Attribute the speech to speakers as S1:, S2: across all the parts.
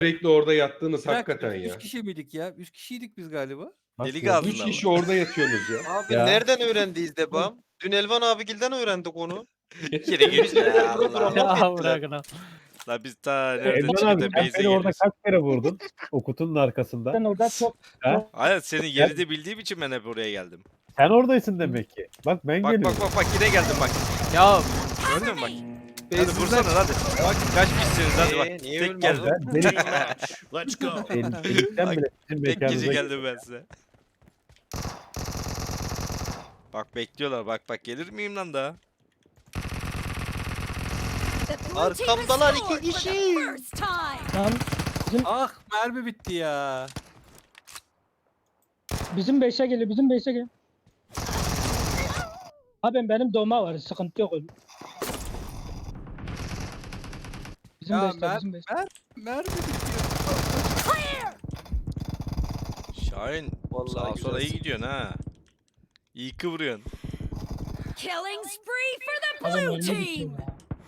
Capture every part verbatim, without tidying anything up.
S1: Sürekli orada yattığınız
S2: Bir
S1: hakikaten
S2: dakika,
S1: ya.
S2: üç kişi miydik ya? üç kişiydik biz galiba.
S3: Nasıl
S4: Deli
S3: ya?
S4: gazlı
S1: Üç
S4: ama.
S1: kişi orada yatıyorsunuz ya.
S5: Abi
S3: Ya.
S5: nereden öğrendiyiz Debam? Dün Elvan abigilden öğrendik onu.
S4: Yere git ya
S5: Burada
S4: Allah.
S5: laf
S3: Ya
S5: ettiler.
S3: bırakın ha.
S4: La biz ta nerede
S3: Elvan abi
S4: çıkıp
S3: sen
S4: base'e
S3: beni orada
S4: geliyoruz.
S3: kaç kere vurdun? O kutunun arkasında.
S6: Ben orada çok
S4: Hayır senin yeri de bildiğim için ben hep oraya geldim.
S3: Sen oradaysın demek ki. Bak ben
S4: Bak
S3: geliyorum.
S4: bak bak bak yine geldim bak. Ya gördün mü bak. Hadi vursana hadi. Bak kaç kişisiniz hadi bak.
S5: Ee, niye
S4: Tek
S5: ölmedin?
S4: geldim.
S3: Ben, benim,
S4: Let's go.
S3: benim, benim,
S4: Bak,
S3: bile bizim
S4: Tek
S3: mekanımıza
S4: kişi geldim ben size. Bak bekliyorlar bak bak gelir miyim lan daha?
S5: Arkamdalar iki kişi.
S6: lan
S2: Ah mermi bitti ya.
S6: bizim beşe geliyor, bizim beşe geliyor. Abi benim doma var, sıkıntı yok. Bizim
S2: Ya
S6: beşte,
S2: mer
S6: bizim beşte.
S2: mer mermi bitiyor.
S4: Şahin
S5: Vallahi
S4: sağa sola iyi
S5: güzelsin.
S4: gidiyorsun ha. İyi kıvırıyorsun.
S7: Killing spree for the
S6: Adam
S7: blue
S6: önüne
S7: team.
S6: gidiyor ya.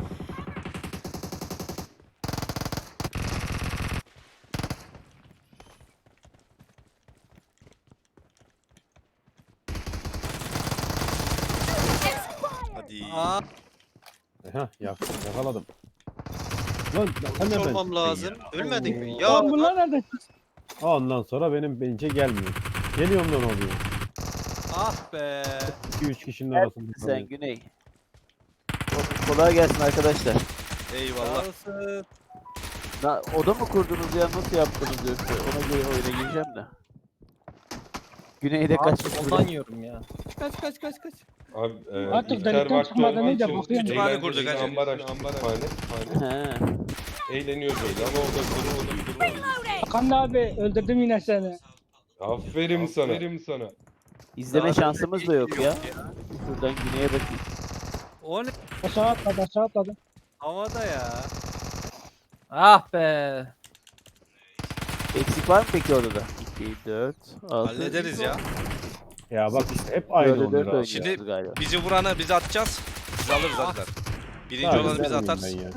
S4: Hadi.
S2: Aa,
S3: Heh, yak, yakaladım. Lan sen
S5: Hiç
S3: nereden
S5: olmam
S3: çıktın
S5: lazım.
S3: ya?
S5: Ölmedin mi?
S6: Lan
S5: Ya
S6: bunlar nerede?
S3: Ondan sonra benim bence gelmiyor. Geliyorum lan oluyor.
S2: ah be.
S3: iki üç kişinin arasında.
S8: Sen
S3: kalıyor.
S8: Güney. Kolay gelsin arkadaşlar.
S4: Eyvallah.
S2: Sağ olasın.
S8: Na, oda mı kurdunuz ya nasıl yaptınız yoksa ona göre oyuna gireceğim de. Güney'de kaç
S3: Ondan yiyorum ya.
S2: Kaç kaç kaç kaç.
S1: Abi e,
S6: Artık
S1: iftar
S6: delikten
S1: vakti
S6: çıkmadan
S1: olduğu
S6: önce
S1: için
S6: bakıyorum.
S4: Kütüphane
S1: eğlenceli
S4: kurduk hacı.
S1: ambar açtık kütüphane.
S8: He.
S1: Eğleniyoruz öyle ama o da kuru o da kuru.
S7: Reloading.
S6: Hakan abi öldürdüm yine seni.
S1: Aferin sana. Aferin sana.
S8: İzleme
S5: Daha
S8: şansımız da yok
S5: yok
S8: ya. Şuradan Güney'e bakayım.
S2: O ne?
S6: Aşağı atladı, aşağı atladı.
S2: Havada ya.
S3: Ah be.
S8: Eksik var mı peki odada? iki, dört, altı.
S4: Hallederiz ya.
S3: Ya bak işte hep aynı
S8: Dörde dört
S3: oluyor. abi.
S8: oynuyoruz
S4: Şimdi-
S8: galiba.
S4: Bizi vuranı biz atacağız. Biz alırız hadiler. Birinci
S3: Abi,
S4: olanı biz
S3: vermeyeyim
S4: atarız.
S3: ben ya.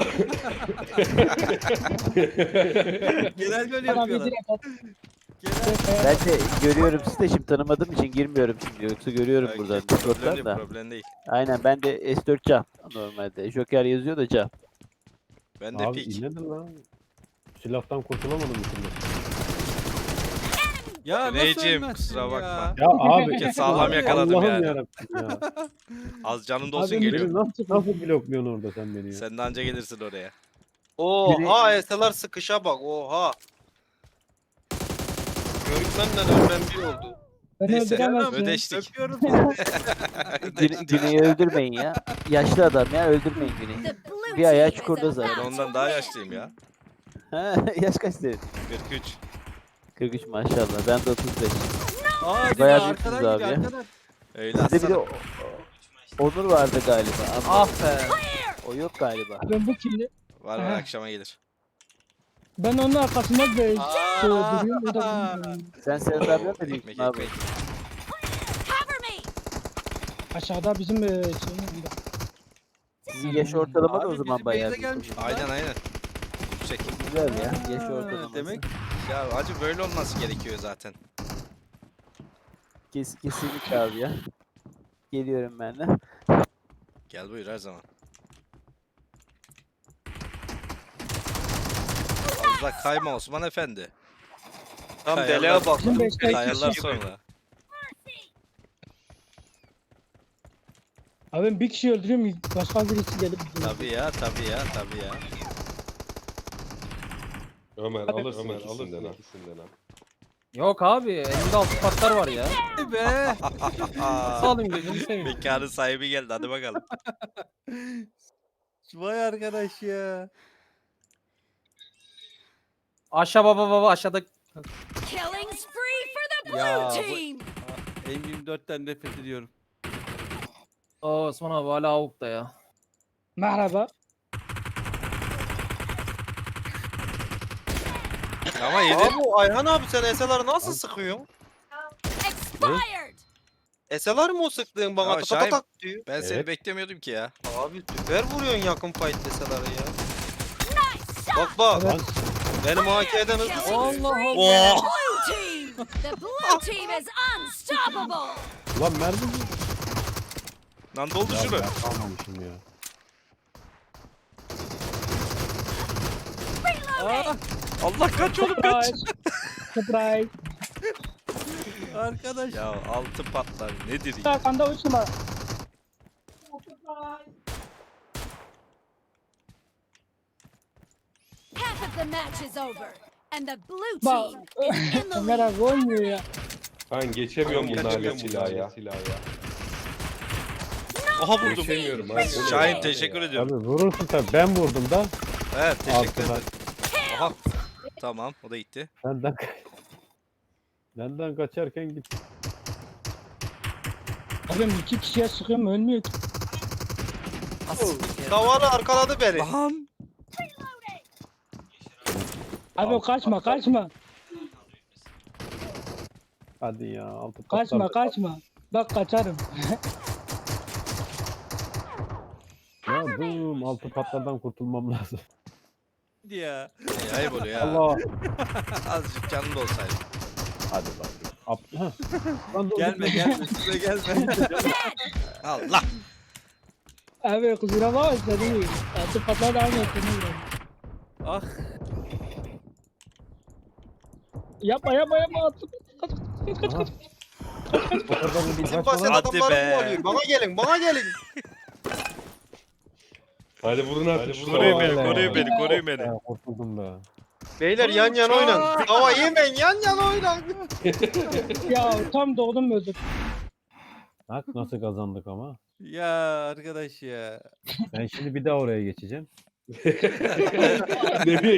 S2: Genel böyle
S6: Hakan abi
S2: yapıyorlar.
S6: direkt at.
S2: Genel.
S8: Ben de görüyorum sizi de şimdi tanımadığım için girmiyorum şimdi. Yoksa görüyorum
S4: Belki
S8: buradan
S4: problem
S8: Discord'dan
S4: değil,
S8: da.
S4: problem değil.
S8: Aynen ben de S dört Can normalde. Joker yazıyor da Can.
S4: Ben de
S3: Abi
S4: pik.
S3: inledin lan. Silahtan kurtulamadım bir türlü.
S2: Ya nasıl
S4: Güneyciğim,
S2: ölmezsin
S4: kusura
S2: ya?
S4: bakma.
S3: Ya abi.
S4: Bir kez sağlam yakaladım
S3: Allah'ım
S4: yani.
S3: yarabbim ya.
S4: Az canın da olsun
S6: Abi,
S3: Beni
S4: geliyor.
S3: nasıl, nasıl blokluyorsun orada sen beni ya?
S4: Sen de anca gelirsin oraya.
S5: Oha eseler sıkışa bak oha. Görükmemden ölmem bir oldu.
S6: Beni
S4: Neyse,
S6: öldüremezsin.
S4: ödeştik.
S2: Öpüyorum seni.
S8: Güne, Güney'i öldürmeyin ya. Yaşlı adam ya öldürmeyin Güney'i.
S7: The blue
S8: Bir ayağı
S7: team is
S8: çukurda zaten.
S4: Ben
S7: about
S4: ondan
S7: to
S4: daha
S7: win.
S4: yaşlıyım ya.
S8: Ha, yaş kaç senin?
S4: kırk üç.
S8: kırk üç maşallah. Ben de otuz beş.
S2: Aa gidiyor
S8: Bayağı
S2: arkadan
S8: büyüksünüz
S2: gidiyor
S8: abi ya.
S2: arkadan.
S4: Öyle
S8: Sizde bir de
S4: atsana.
S8: o- o- Onur vardı galiba. Ama
S3: Ah be.
S8: o yok galiba.
S6: Ben bu kirli.
S4: Var var
S6: Aha.
S4: akşama gelir.
S6: Ben onun arkasında da şey
S2: Aa.
S6: duruyorum. O da
S8: Sen Serhat abi mi
S4: Ekmek
S8: diyorsun abi?
S4: ekmek.
S7: Cover me.
S6: aşağıda bizim e, şeyin yanında.
S8: Sizin yaş ortalama da o
S2: Abi
S8: zaman
S2: bizim
S8: bayağı
S2: base'e
S8: büyük.
S2: gelmiş.
S4: Aynen aynen. Yüksek.
S8: Güzel ya. Yaş
S2: Ha,
S8: ortalaması.
S2: Demek
S4: Ya acı böyle olması gerekiyor zaten.
S8: Kes, kesinlikle abi ya. Geliyorum ben de.
S4: Gel buyur her zaman. Fazla kayma Osman Efendi.
S5: Tam
S4: Kayarlar-
S5: deliğe bak.
S6: Bizim beşte iki
S4: Kayarlar
S6: kişi.
S4: sonra.
S6: Abi ben bir kişi öldürüyorum. Başka birisi gelip.
S4: Tabii ya tabii ya tabii ya.
S1: Ömer
S6: Abi,
S1: alırsın
S6: Ömer,
S1: ikisinden ha. ikisinden ha.
S3: Yok abi. Elimde altı patlar var ya.
S2: ki be.
S3: Nasıl alayım gözünü seveyim.
S4: Mekanın sahibi geldi hadi bakalım.
S2: Vay arkadaş ya.
S3: Aşağı baba baba aşağıda.
S7: Killing spree for the blue
S2: Ya, bu-
S7: team.
S2: M yirmi dörtten nefret ediyorum.
S3: Aa Osman abi hala avukta ya.
S6: Merhaba.
S4: Ama yedi.
S5: Abi Ayhan abi sen eseleri nasıl sıkıyorsun?
S7: Expired.
S5: Eseler mi o sıktığın bana
S4: Ya
S5: tak
S4: Şahin-
S5: tak tak diyor.
S4: Ben seni
S1: Evet.
S4: beklemiyordum ki ya.
S5: Abi süper vuruyorsun yakın fight eseleri ya.
S7: Nice shot.
S5: Bak bak.
S6: Evet.
S5: Benim A K'den hızlı.
S7: Killing
S2: Allah
S7: spree
S4: Allah.
S7: for the blue team. The blue team is unstoppable.
S3: Ulan mermi mi?
S4: Lan doldu
S3: Ya
S4: şunu.
S3: ben kalmamışım ya.
S2: Aa,
S4: Allah kaç oğlum kaç.
S6: Surprise. Surprise.
S2: arkadaş.
S4: Ya altı patlar nedir ya?
S6: Arkanda üç numara.
S7: Half of the match is over. And the blue
S6: Bak.
S7: team is in the
S6: Ömer
S7: lead.
S6: abi oynuyor ya.
S1: Ben geçemiyorum
S5: Geçemiyorum
S1: bunlarla
S5: bunlarla
S1: silah ya. Silah ya.
S4: Aha vurdum.
S1: Geçemiyorum abi.
S4: Şahin teşekkür ediyorum.
S3: Abi vurursun tabii. Ben vurdum da.
S4: Evet teşekkür
S3: Altına.
S4: ederim. Aha. Tamam o da gitti.
S3: Benden Benden kaçarken git.
S6: Abim iki kişiye sıkıyorum ölmüyor ki.
S5: Davarı arkaladı beni.
S4: Lan.
S6: Abi kaçma kaçma.
S3: Hadi ya. Altı
S6: Kaçma
S3: patlar.
S6: kaçma. Bak kaçarım.
S3: Ya dur. Altı patlardan kurtulmam lazım.
S2: Ya.
S4: Ya, ayıp oluyor ya.
S3: Allah.
S4: Azıcık canlı da olsaydı.
S3: Hadi bak. Ap Hah. Lan dur,
S2: Gelme
S3: dur.
S2: gelme. Şuraya gelme.
S4: Allah.
S6: Abi kusura bakma seni. Altı patlar da aynı ettiğini
S2: Ah.
S6: Yapma yapma yapma. Altı kaç kaç kaç
S3: Aha.
S6: kaç.
S3: O kadar da
S5: Bizim
S3: kaçma
S5: basit
S3: lan.
S4: Hadi
S5: adamları
S4: be.
S5: kovalıyor. Bana gelin bana gelin.
S1: Hadi vurun artık şu
S4: Koruyun beni,
S1: tavayı.
S4: koruyun beni, koruyun beni.
S3: Ya, kurtuldum be.
S5: Beyler yan yana oynayın. Hava yemeyin yan yana oynayın.
S6: Ya tam doğdum öldüm.
S3: Bak nasıl kazandık ama.
S2: Ya arkadaş ya.
S3: Ben şimdi bir daha oraya geçeceğim.
S1: Nereye